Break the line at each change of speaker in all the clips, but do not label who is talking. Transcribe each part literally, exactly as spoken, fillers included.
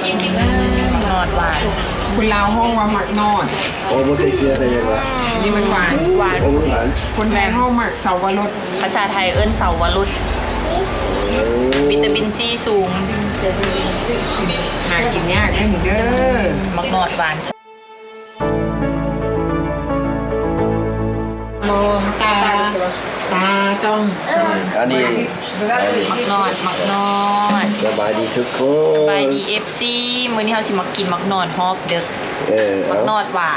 นอดหวาน
คุณลาวห้องว่าหมักนอด
โอ้โหใส่เกลือใส่ยังไง
นี่มันหวาน
หวาน
โอ้โหหวาน
คนแทนห้องหมักเสาวรส
ภาษาไทยเอิ้นเสาวรุดวิตามินซีสูง
หากินยากได้เด้อ
มักนอดหวานโมตาตาต้อง
อันนี้
มักนอดมักนอด
สบายดีทุกคน
สบายดีเอฟซีมื้อนี้เราสิมากินมักนอดฮอบเด้อ
เออ
มักนอดหวาน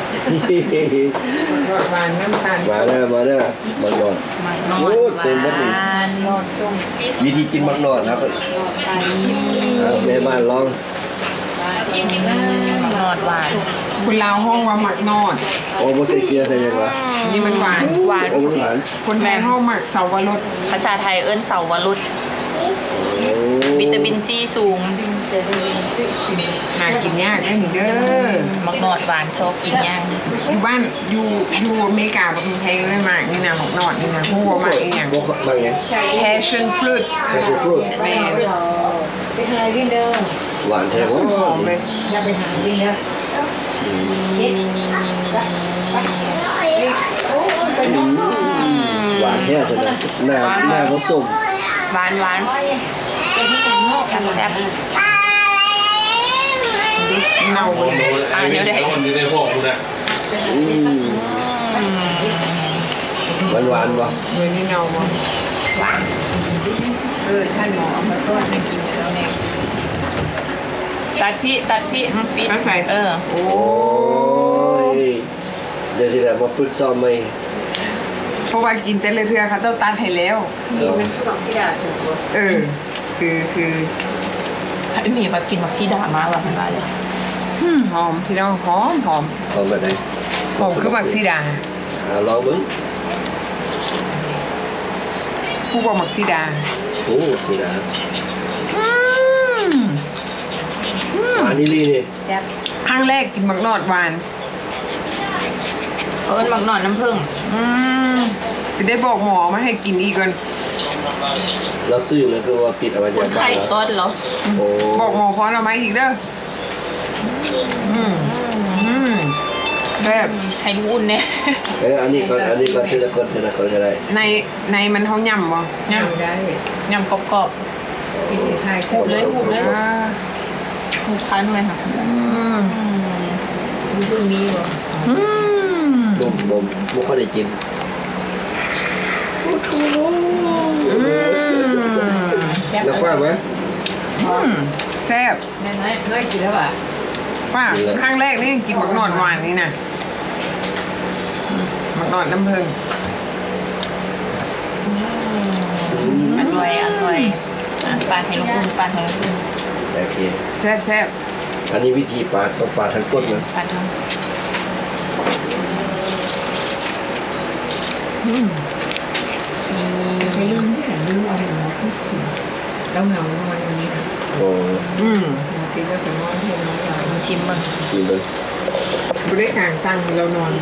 หวานน้ำตาล
มาเด้อมาเด้อมักนอด
มักนอด
โอ้
หว
เต็มหมดเลย
านนอดส้ม
วิธีกินมักนอดนะครับเอาแม่บ้านลอง
มักนอดหวาน
คุณลาวห้องว่าหมักนอด
โอ้โหใส่เกลือใส่ยังไง
นี่มันหวาน
หวาน
โอ้โหหวาน
คนแทนห้องหมักเสาวรส
ภาษาไทยเอิ้นเสาวรุด
โอ้
วิตามินซีสูง
หากินยากได้เด้อ
มักนอดหวานชอบกินย่าง
อยู่บ้านอยู่อยู่อเมริกาประเทศไทยไม่มากนี่นะหมักนอดนี่นะพวกว่าหมักอีกอย่าง
บกบางอย่าง
passion fruit
แคชฟรุต
แม่
ไปหาวิ่งเด้อ
หวานแท้หวาน
หอมเลย
อย่าไปหาวิ่งเด้อเฮ็ดโอ้ไปน้อง
หวานแท้สุดเลยหน้าหน้าเขาส้ม
หวานหวาน
ไปที่กันนอก
แซ่บ
เน่าเลย
อ่าเดี๋ยวได้
คนอยู่ในพวกกูนะ
อืมหวานหวานป่ะ
เลยนี่เน่าบ่
หวาน
เออท่านหมอเอามาต้นให้กินแล้วเนี่ย
ตัดพี่ตัดพี่ปิด
ก็ใส่
เออ
โอ้
โอ้ยเดี๋ยวจะได้มาฝึกซ้อมไหม
เพราะว่ากินแต่ละเทือเขาต้องตัดให้แล้ว
นี่มันคือของสิดาสูง
เออ คือคือ
ไอ้หมีมากินมักชีดามาว่ะมันว่าเลย
หืมหอมพี่น้องหอมหอม
เอาแบบไหน
หอมคือบักซีดา
อ่าลองมึง
ผู้บอกบักซีดา
โอ้สินะ
อืมอืม
หวานนี่ลีนี่
แซ่บ
ครั้งแรกกินบักนอดหวาน
เอิ้นมักนอดน้ำผึ้ง
อืมสิได้บอกหมอมาให้กินอีกก่อน
เราซื้อเลยคือว่าปิดเอาไว้
ค
จาก
น
บ้า
ไข่
นแล้ว
ต้นเหรอ
โอ้
บอกหมอพร้อมเอามาอีกเด้ออืมอืมแบบ
ให้ดูอุ่นเนี่ย
เอออันนี้ก่อนอันนี้ก่อนทีละคนทีละคนก็ได้
ในในมันเขาย่ำบ่
ยำได้ยำกรอบๆหูบเลยหูบเลย
อ่า
หูพันเลยค่ะ
อืม
มีเพิ่งมีบ่
อืม
บ่มบ่มบ่ค่อยได้กิน
อืม
แล้วกว้างไหม
อืมแซ่บ
น้อยน้อยกินแล้วอ่ะ
ป้าครั้งแรกนี่กินหมักนอดหวานนี่นะอืมหมักนอดน้ำผึ้ง
อร่อยอร่อยอ่ะปลาให้ลูกอุ่นปลาให้ลูกอุ่น
โอเค
แซ่บแซ่บ
อันนี้วิธีปาดต้องปาดทั้งก้นนะ
ปลาทอง
อืม
ไปลืมที่ไหนลืมเอาหนูที่กินแล้วเหงานอนอย่างนี้นะ
โอ้
อืม
หนูคิดว่าจะนอนเพียงน้อยใหญ่
มึงชิมมึง
ชิมเลย
ไม่ได้กางตั้งให้เรานอน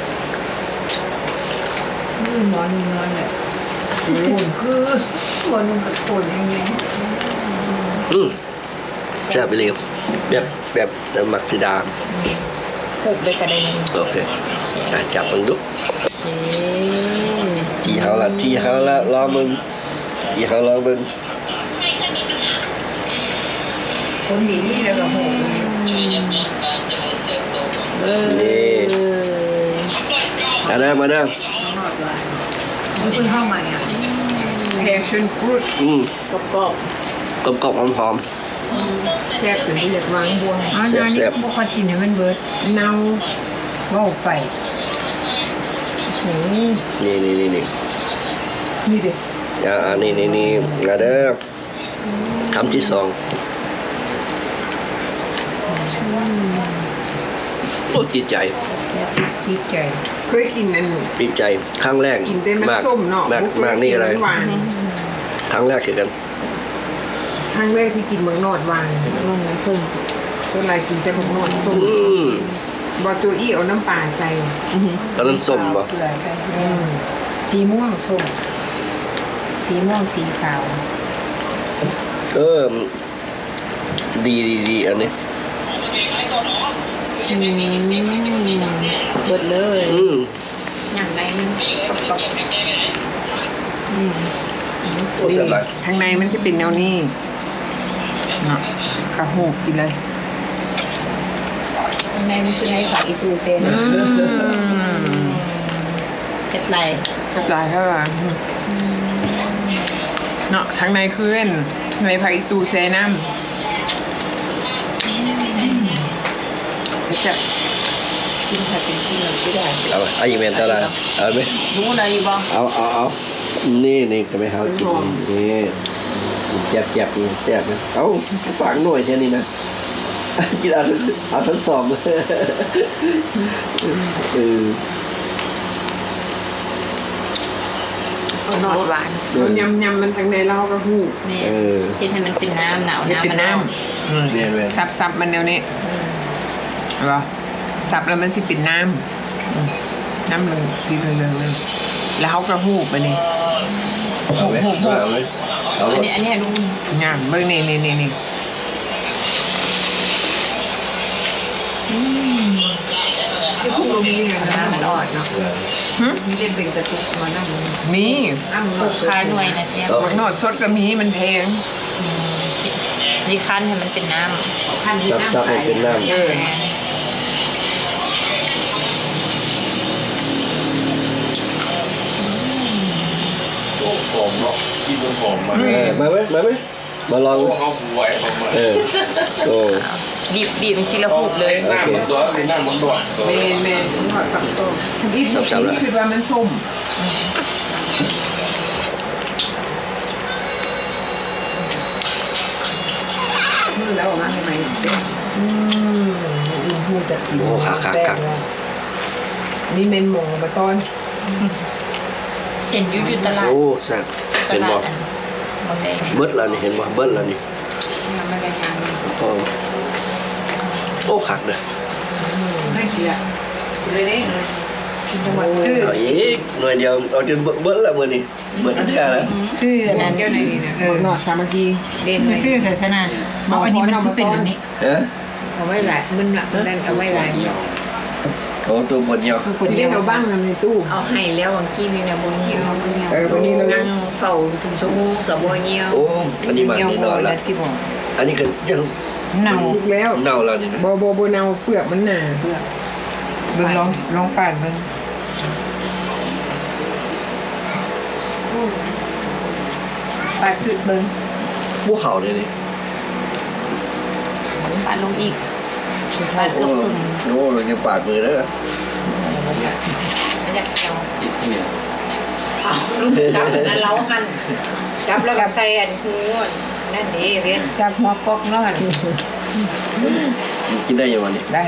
นี่นอนนอนแบบโอ้โหคือคนมันกับคนอย่างเงี้ย
อืมแซ่บไปเลยแบบแบบหมักสีดา
หูบเลยกระเด็น
โอเคอ่ะจับมึงดู
โอเค
ทีเขาละทีเขาละรอมึงทีเขารอมึง
คนดีนี่แล้วก็โห
เออ
นี่มาเด้อมาเด้อน
อนว่ามันเพิ่งเข้ามาอ่ะ
passion fruit
อืม
กรอบ
กรอบกรอบหอมหอม
แซ่บจนที่อยากวางบวง
อ๋อนานี่พวกเขากินเนี่ยมันเบิด
เน่า
ว่าไปโอ้โห
นี่นี่นี่นี่
นี่เด็
อ่านี่นี่นี่มาเด้อคำที่สองโอ้ติดใจ
ดีใจ
เคยกินอัน
ติดใจครั้งแรก
กินได้มัน
มาก
ส้มเนาะ
มาก
บ่เคย
มากนี่อะไร
กิหวาน
ครั้งแรกคือกัน
ครั้งแรกที่กินหมักนอดหวานนอนน้ำผึ้งตัวอะไรกินแต่หมักนอดส้ม
อืม
บอตัวอี้เอาน้ำปลาใส่
ๆอื้อหือ
ตอนนั้นส้มบ่
เกลือใช่
อืม
สีม่วงส้มสีม่วงสีขาว
เออดีดีดีอันนี้
อืมเบิดเลย
อืม
อย่างไรมันกรอบ
อืม
โอ้เสร็จแล้ว
ข้างในมันจะเป็นแนวนี้เนาะกระหูกกินเลย
ๆข้างในมันคือให้ฝากอีตูเซน
อืม
เซ็ตไร
สไตล์เท่าไหร่เนาะข้างในคือเล่นในไผ่ตูเซน้ำจะ
กินค่ะเป็นกินเราไม่ได้
เอาเอาอีเมลเท่าไหร่เอาไหม
รู้อะไรอยู่บ้าง
เอาเอาเอานี่นี่ก็ไม่เอากินนี่เจ็บเจ็บนี่แซ่บนะเอาปากหน่อยแค่นี้นะกินเอาทั้งเอาทั้งสองเลยเออ
เอาหนอดหวาน
ยำยำมันทางในเรากระหูก
นี่
เออ
กินให้มันเป็นน้ำหนาว
นี่
น้ำ
เป็น
มัน
น้
น้
ำ
เนี่ยเนี่ย
ซับซับมันแนวนี้เห็นปะซับแล้วมันสิเป็นน้ำอืมน้ำเหลืองสีเหลืองๆเลยแล้วเขากระหูกไปนี่
เอาไหมเอาไหมเอา
ำ
ไหม
อันนี้อันนี้ให้ลุง
งามเบิ่งนี่นี่นี่นี่
ที่พวกเรามีเนี่ยนะ
มันอ่อนเนาะ
หึ
มีเล่นเป็นกระตุกมานั่ง
มี
อ้ำ
ปลูกคาหน่วยนะเสีย
บักนอดสดก็มีมันแพง
นี่คั้นให้มันเป็นน้
พันที่
ซับ
น้ำ
ซับให้เป็นน้
เออ
หอมเนาะกินจนหอมมา
ำเออมาไหมมาไหมมาลอง
พวกเขาหวยออกมา
เออโอ้
ำบีบบีบเป็นชิ้นละหูกเลย
หน้ามันตัวเป็นหน้ามันตัว
เมนเมนนอดกับส้มทำอีกส้มนี่คือว่ามันส้ม
มือแล้วออกมาใหม่ๆเป็น
อืมอีหูจะกิน
โหคักคักคัก
นี่เมนหมงมาต้อน
เห็นอยูอยู่ตลาด
โอ้แซ่บ
ต
เป็น
ลา
บ่
ดอันบางแดง
เบิดแล้วนี่เห็นบ่เบิดแล้วนี่
มันไม่ได้งาน
โอ้โอ้คักเด้อ
ไม่เกลียดเลยนี่จังหวัด
ชื่อ
เอาอีกหน่วยเดียวเอาจนเบิดแล้วมื้อนี้เบิดอันเดียวแล้ว
ชื่ออันนั้นเจ้าในนี่นะเอ
บั
อก
นอดสามัคคี
เด่นชื่อศาสนาเอาอันนี้มันคือเป็นแบบนี้
ฮะ
เอาไว้หลายมันหลักนั่นเอาไว้หลาย
โอ้ตัวบดเดียว
คือคน
ที่
เดี
ได้
ยว
เราบ้างในตู้
เอาให้แล้วบางทีนี่นะโบเงียว
เออวันนี้เรา
นั่งเฝ้าถึงชั่วโมงกับโบเงียว
โอ้อันนี้มันนี่นอนแล้ว
ที่บอก
อันนี้ก็ยัง
เน่า
ทุกแล้ว
เน่าแล้วนี่นะ
โบโบโบเนาเปลือกมันหนา
เบิ่งลองลองป่านเบิ่งปาดสุดเบิ่ง
ภูเขาเลยนี่
ปาดลงอีกปาดเกือบครึ่ง
โอ้เราจะปาดมือแล้ว
ไม่อยากเอา
จิตที่เนี่ย
ลูกจับนั่นเล้าหันจับแล้วก็ใส่อันหูนั่นนี่เว้นจับหัวกอกนั่น
กินได้ยังวันนี้
ได้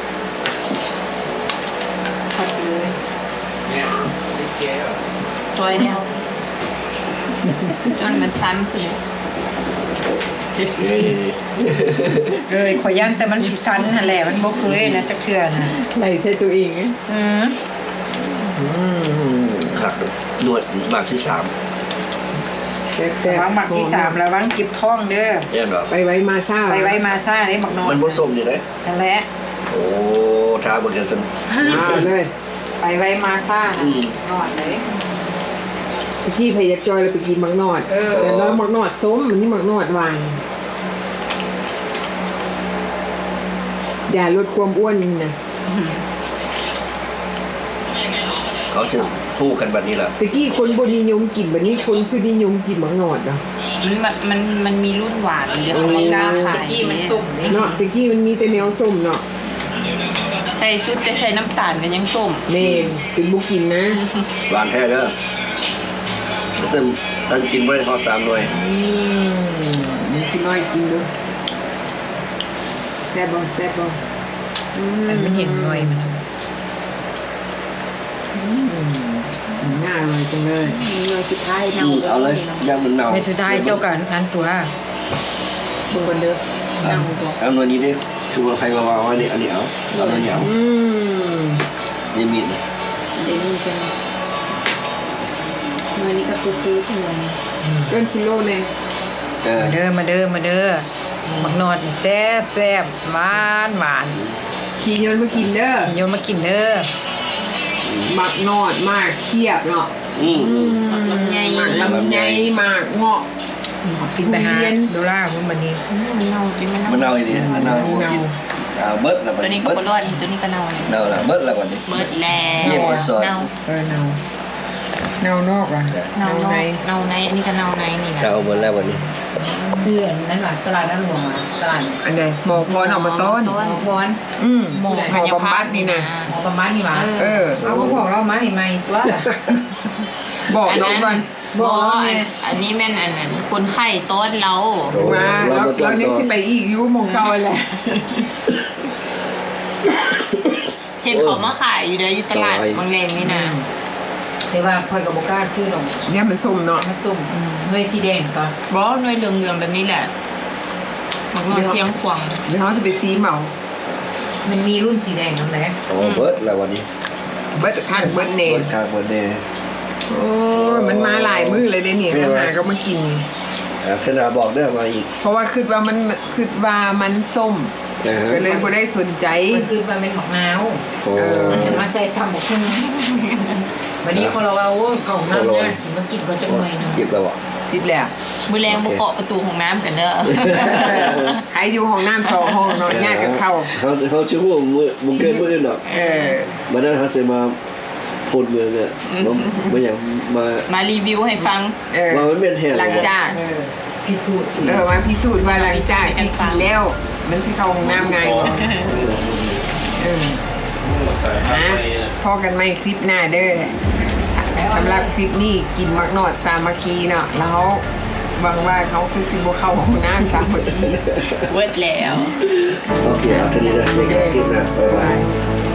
พอดเลย
เนี่ยแก่
ซอยเนี่ยจนมันซ้ำขึ้น
เฮ้ย
เลยขอย่านแต่มันสิสันนั่นแหละมันบ่เคยนะจักเทื่อนะ
ไหลใส่ตัวเองไง
อือ
อืม
ขักนวดมากที่สาม
แซ่บแซ่บ
วางหมักที่สามระวังเก็บท้องเด้อ
เนี่ยหรอ
ไปไว้มาซ่า
ไปไว้มาซ่าได้หมักนอน
มันผสมอยู่เลย
นั่นแหละ
โอ้ท้าบนกันสัน
อ่าเลย
ไปไว้มาซ่า
อื
นะ
ม
นอนเลย
ตะกี้พยักจอยเราไปกินมักนอด
เออ
แต่เรามักนอดส้มมันนี่มักนอดหวานอย่าลดความอ้วนนี่นะ
เขาจะพูดกันแบบนี้แหละ
ตะกี้คนบนิยมกินแบบนี้คนคือนิยมกินมักนอดเนาะ
มันมันมันมันมีรุ่นหวานเดี๋ยวเขาไม่กล้าขาย
ตะกี้มันสุ่ม
เนาะตะกี้มันมีแต่แนวส้มเนาะ
ใส่ชุดแต่ใส่น้ำตาลกันยังส้ม
เน่ถึงบุกินนะ
หวานแท้เด้อซึ่งตั้งกินไว้เขาสามหน่วย
อืมนี่คือน้อยกินดูแซ่บบ่แซ่บบ่อืม
แต่มันเห็นหน่วยมัน
อืมน่าอร่อยจังเลย
มีเลยสุดท้ายเน่า
อืมเอาเลยย่างมันเน่า
ไม่สุดท้ายเจ้ากันพันตัว
เบิ่งกันเด้อ
เอาเอาหน่วยนี้ดิคือว่าใครมาวางไว้นี่อันนี้เอาเอาหน่วยนี้เอา
อืม
นี่มีดนะ
เดี๋ยวนี้เป็นเมื่อนี้ก็คือซื้อขึ้นมา
เกินกิโลแน่
เออ
มาเด้อมาเด้อมาเด้อบักนอดนี่แซ่บแซ่บหวานหวาน
ขี่ยนต์มากินเด้อ
โยนมากินเด้อ
หมักนอดมากเคียบเนาะ
อืม
ลำไย
หมักลำไยหมากเงาะ
กินไปหา
ทุเรียน
ดูล่าคุณบันนี้
มันเน่ากินมัน
มัน
เน่า
เน่าอีนี่มันเน่ากินอ่าเบิดแล้วบัด
ตัวนี้
นี้
ก็
เบิด
บ่รอดนี่ตัวนี้ก็เน่าเลย
เน่าละเบิดแล้วบัดนี้
เบิดแล้ว
เยี่ยมที่สุด
เน่า
เออเนาเนานอกอ่ะ
เน่า
ใน
เน่าในอันนี้ก็เน่าในนี่นะ
เน่าเบิดแล้วบัดนี้
ซื้ออันนั้นว่ะตลาดน้ำหลวงอ่ะตลาด
อันใดหมอพรออกมาต้อน
หมอพร
อืมหมอหมอบำบัดนี่นะ
หมอประมาณนี่หว่า
เออ
เอาก็บอกเรามาให้ใหม่ตัว
บอกน้องก่อน
บ่
บอกแม่
อันนี้แม่นอันนั้นคนไข้โต๊ดเรา
โอ้
มาแล้วเราเนี่ยสิไปอีกอยุหมองเก่าแหละ
เห็นเขามาขายอยู่เด้ออยู่ตลาดบางเลนนี่นะ
แต่ว่าคอยกับโบกล้าซื้อดอก
เนี่ยมันส้มเนาะ
มันส้มหน่วยสีแดงตัว
บ่หน่วยเหลืองๆแบบนี้แหละมันก็เชียงขวาง
เดี๋ยวเขาจะไปซีเหมา
มันมีรุ่นสีแดงนั่นแหละ
โอ้เบิดแล้ววันนี้
เบิดข้างเบิดเน
เบิ
น
ดคางเบิดเน่
โอ้ยมันมาหลายมือเลยเด้เนี่ยมันมาก็มากิน
อ่าขนาบอกได้มาอีก
เพราะว่าคิดว่ามันคิดว่ามันส้ม
นะฮะ
ก็เลยบ่ได้สนใจ
มันคือมันเป็นของน้าว
โอ้
เออ
มันจะมาใส่ทำบอกขึ้นวันนี้คนเราเอากล่องน้ำเนี่ยสิมากินก็จะเมื่อยหนึง
สิบแล้วอ่ะ
สิบแล้ว
มือแรงบุกเคาะประตูของน้ำกันเด้อ
ใครอยู่ห้องน้ำสองห้องนอนยากกับเข้า
เขาเขาชื่อว่ามือบุงเกินมืออื่นหรอก
เออ
มานั่นเขาเสมาพูดเมืองเนี่ยมามาอย่างมา
มารีวิวให้ฟัง
เออ
มามันเป็นแทน
หลังจาก
เออพิสูจน์
เออมาพิสูจน์ว่าหลังจากที่กินแล้ว มันสิเข้าห้องน้ำไงายบ่เออ
ใส่ห้า
นะ
ไป
พอกันไหมคลิปหน้าเด้อสำหรับคลิปนี้กินมักนอดสามัคคีเนาะแล้วหวังว่าเขาคือสิบ่เข้าห้องน้ำสามัคคี
เวิร์ดแล้ว
โอเคเอาทีนี้นะในการกินนะบ๊ายบาย
บ